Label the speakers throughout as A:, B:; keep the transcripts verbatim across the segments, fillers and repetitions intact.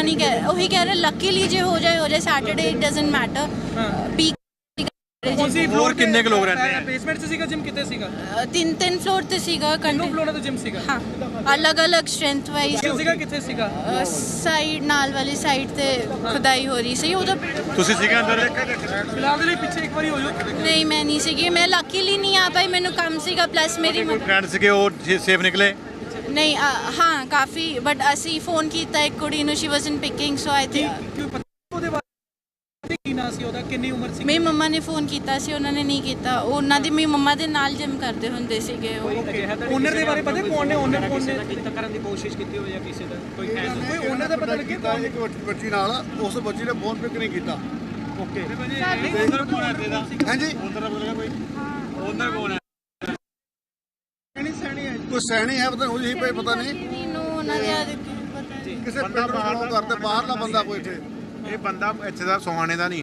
A: नहीं कह वही कह रहे लकीली जो हो जाए हो जाए Saturday it doesn't matter peak
B: ਹੋਰ ਕਿੰਨੇ ਕੁ ਲੋਕ ਰਹਿੰਦੇ ਆ
C: ਬੇਸਮੈਂਟ 'ਚ ਸੀਗਾ ਜਿਮ ਕਿਤੇ ਸੀਗਾ
A: तीन तीन फ्लोर ते सीगा
C: ਕਿੰਨੇ ਫਲੋਰ ਤੇ ਜਿਮ ਸੀਗਾ
A: हाँ अलग अलग स्ट्रेंथ वाइज
C: ਸੀਗਾ ਕਿੱਥੇ ਸੀਗਾ
A: साइड नाल वाली साइड ते खुदाई हो रही सी उधर
B: ਤੁਸੀਂ ਸੀਗੇ ਅੰਦਰ
C: ਫਿਲਹਾਲ ਦੇ ਲਈ ਪਿੱਛੇ ਇੱਕ ਵਾਰੀ ਹੋ ਜਾਓ
A: नहीं मैं नहीं सीगी मैं लकीली नहीं आ पाई मैनू कम सीगा प्लस मेरी
B: ਕੋਈ ਫਰੈਂਡ ਸੀਗੇ ਉਹ ਸੇਫ ਨਿਕਲੇ
A: नहीं आ, हाँ काफ़ी बट असी फोन किया एक कुड़ी नु she wasn't picking so I think
C: ਕਿਉਂ ਪਤਾ ਉਹਦੇ ਬਾਰੇ ਕੀ ਨਾਂ ਸੀ ਉਹਦਾ ਕਿੰਨੀ ਉਮਰ ਸੀ
A: मेरी मम्मा ने फोन किया सी उन्होंने नहीं किया उन्होंने दी मेरी मम्मा दे नाल जिम करते हुंदे सीगे
C: ਓਨਰ ਦੇ ਬਾਰੇ ਪਤਾ ਕੌਣ ਨੇ ਓਨਰ ਕੌਣ ਨੇ
D: ਕੀਤਾ ਕਰਨ ਦੀ ਕੋਸ਼ਿਸ਼ ਕੀਤੀ ਹੋਈ ਜਾਂ ਕਿਸੇ ਦਾ ਕੋਈ ਹੈ
C: ਕੋਈ ਓਨਰ ਦਾ ਪਤਾ ਲੱਗਿਆ ਕੌਣ
E: ਇੱਕ ਬੱਚੀ ਨਾਲ ਉਸ ਬੱਚੀ ਨੇ ਫੋਨ ਪਿਕ ਨਹੀਂ ਕੀਤਾ
C: ਓਕੇ
B: ਓਨਰ ਕੌਣ ਹੈ ਤੇਰਾ
E: ਹਾਂਜੀ
B: ਓਨਰ ਬੋਲੇਗਾ ਕੋਈ ਓਨਰ ਕੌਣ ਹੈ
E: ਕੋਈ ਸੈਣੀ ਹੈ ਪਤਾ ਉਹੀ ਪਈ ਪਤਾ ਨਹੀਂ
A: नो उन्होंने दे पता नहीं
E: ਕਿਸੇ ਬੰਦਾ ਬਾਹਰ ਤੋਂ ਕਰਦੇ ਬਾਹਰਲਾ ਬੰਦਾ ਕੋਈ ਇੱਥੇ
B: ਇਹ ਬੰਦਾ ਇੱਥੇ ਦਾ ਸੋਹਾਣੇ ਦਾ ਨਹੀਂ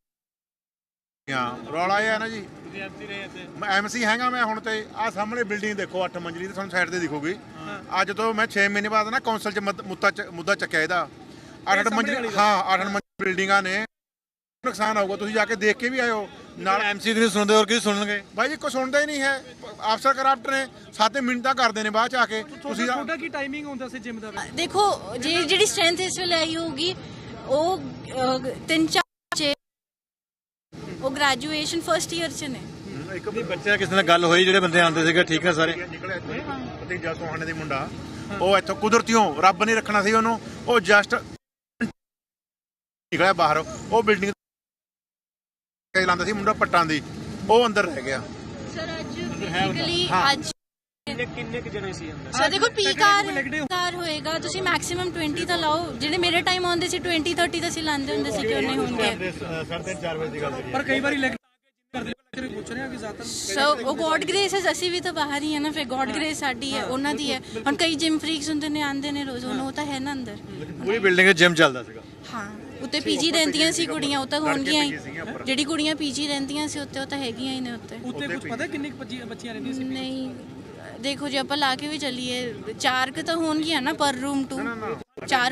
B: ਹਾਂ ਰੌਲਾ ਇਹ ਹੈ ਨਾ ਜੀ ਮੈਂ ਐਮਸੀ ਹੈਗਾ ਮੈਂ ਹੁਣ ਤੇ ਆਹ ਸਾਹਮਣੇ ਬਿਲਡਿੰਗ ਦੇਖੋ ਅੱਠ ਮੰਜ਼ਲੀ ਤੇ ਤੁਹਾਨੂੰ ਸਾਈਡ ਤੇ ਦਿਖੂਗੀ ਅੱਜ ਤੋਂ ਮੈਂ ਛੇ ਮਹੀਨੇ ਬਾਅਦ ਨਾ ਕੌਂਸਲ ਚ ਮਤ- ਮੁੱਦਾ ਚ- ਮੁੱਦਾ ਚੱਕਿਆ ਇਹਦਾ ਅੱਠ ਅੱਠ ਮੰਜ਼ਲੀ ਹਾਂ ਅੱਠ ਅੱਠ ਮੰਜ਼ਲੀ ਬਿਲਡਿੰਗਾਂ ਨੇ ਨੁਕਸਾਨ ਹੋਊਗਾ ਤੁਸੀਂ ਜਾ ਕੇ ਦੇਖ ਕੇ ਵੀ ਆਇਓ ਨਾਲ ਐਮਸੀ ਦੀ ਨਹੀਂ ਸੁਣਦੇ ਹੋਰ ਕੀ ਸੁਣਨਗੇ ਬਾਈ ਜੀ ਕੋਈ ਸੁਣਦਾ ਹੀ ਨਹੀਂ ਹੈ ਅਫਸਰ ਕਰਪਟ ਨੇ ਸੱਤ ਮਿੰਟਾਂ ਕਰਦੇ ਨੇ ਬਾਅਦ ਚ ਆ ਕੇ ਤੁਸੀਂ
C: ਤੁਹਾਡਾ ਕੀ ਟਾਈਮਿੰਗ ਹੁੰਦਾ ਸੀ ਜਿਮ ਦਾ
A: देखो जी जी स्ट्रेंथ इस वे आई होगी वो तीन चार बच्चे वो ग्रेजुएशन फर्स्ट ईयर च ने
B: ਇੱਕ ਵੀ ਬੱਚਾ ਕਿਸੇ ਨਾਲ ਗੱਲ ਹੋਈ ਜਿਹੜੇ ਬੰਦੇ ਆਉਂਦੇ ਸੀਗੇ ਠੀਕ ਹੈ ਸਾਰੇ ਨਿਕਲਿਆ ਭਤੀਜਾ ਸੋਹਾਣੇ ਦੇ ਮੁੰਡਾ ਉਹ ਇੱਥੋਂ ਕੁਦਰਤੀਓਂ ਰੱਬ ਨੇ ਰੱਖਣਾ ਸੀ ਉਹਨੂੰ ਉਹ ਜਸਟ ਨਿਕਲਿਆ ਬਾਹਰ ਉਹ ਬਿਲਡਿੰਗ ਲਾਉਂਦਾ ਸੀ ਮੁੰਡਾ ਪੱਟਾਂ ਦੀ ਉਹ ਅੰਦਰ ਰਹਿ ਗਿਆ
A: सर आज बेसिकली आज
D: ਕਿੰਨੇ ਕਿ ਜਣੇ ਸੀ ਅੰਦਰ
A: ਸਰ ਦੇਖੋ ਪੀਕ ਆਰ ਕਾਰ ਹੋਏਗਾ ਤੁਸੀਂ ਮੈਕਸਿਮਮ ਵੀਹ ਤਾਂ ਲਾਓ ਜਿਹੜੇ ਮੇਰੇ ਟਾਈਮ ਆਉਂਦੇ ਸੀ ਵੀਹ ਤੀਹ ਤਾਂ ਅਸੀਂ ਲਾਉਂਦੇ ਹੁੰਦੇ ਸੀ ਕਿਉਂ ਨਹੀਂ ਹੋਣਗੇ
B: ਸਾਢੇ ਚਾਰ ਵਜੇ ਦੀ ਗੱਲ
C: ਪਰ ਕਈ ਵਾਰੀ ਲੈਗ ਕਰਦੇ ਕਰਦੇ ਪੁੱਛ ਰਹੇ ਆ ਕਿ ਜ਼ਿਆਦਾ
A: ਸੋ ਉਹ ਗੋਡ ਗ੍ਰੇਸ ਹੈ ਅਸੀਂ ਵੀ ਤਾਂ ਬਾਹਰ ਹੀ ਹੈ ਨਾ ਫਿਰ ਗੋਡ ਗ੍ਰੇਸ ਸਾਡੀ ਹੈ ਉਹਨਾਂ ਦੀ ਹੈ ਹੁਣ ਕਈ ਜਿਮ ਫਰੀਕਸ ਹੁੰਦੇ ਨੇ ਆਉਂਦੇ ਨੇ ਰੋਜ਼ ਉਹ ਤਾਂ ਹੈ ਨਾ ਅੰਦਰ
B: ਪੂਰੀ ਬਿਲਡਿੰਗ 'ਚ ਜਿਮ ਚੱਲਦਾ ਸੀਗਾ
A: ਹਾਂ ਉੱਤੇ ਪੀਜੀ ਰਹਿੰਦੀਆਂ ਸੀ ਕੁੜੀਆਂ ਉਹ ਤਾਂ ਹੋਣਗੀਆਂ ਹੀ ਜਿਹੜੀ ਕੁੜੀਆਂ ਪੀਜੀ ਰਹਿੰਦੀਆਂ ਸੀ ਉੱਤੇ ਉਹ ਤਾਂ ਹੈਗੀਆਂ ਹੀ ਨੇ ਉੱਤੇ
C: ਉੱਤੇ ਕੁਝ ਪਤਾ ਕਿੰਨੀ ਕੁ ਬੱਚੀ- ਬੱਚੀਆਂ ਰਹਿੰਦੀਆਂ ਸੀ
A: ਨਹੀਂ ਦੇਖੋ ਜੇ ਆਪਾਂ ਲਾ ਕੇ ਵੀ ਚੱਲੀਏ ਚਾਰ ਕੁ ਤਾਂ ਹੋਣਗੀਆਂ ਨਾ ਪਰ ਰੂਮ ਟੂ ਚਾਰ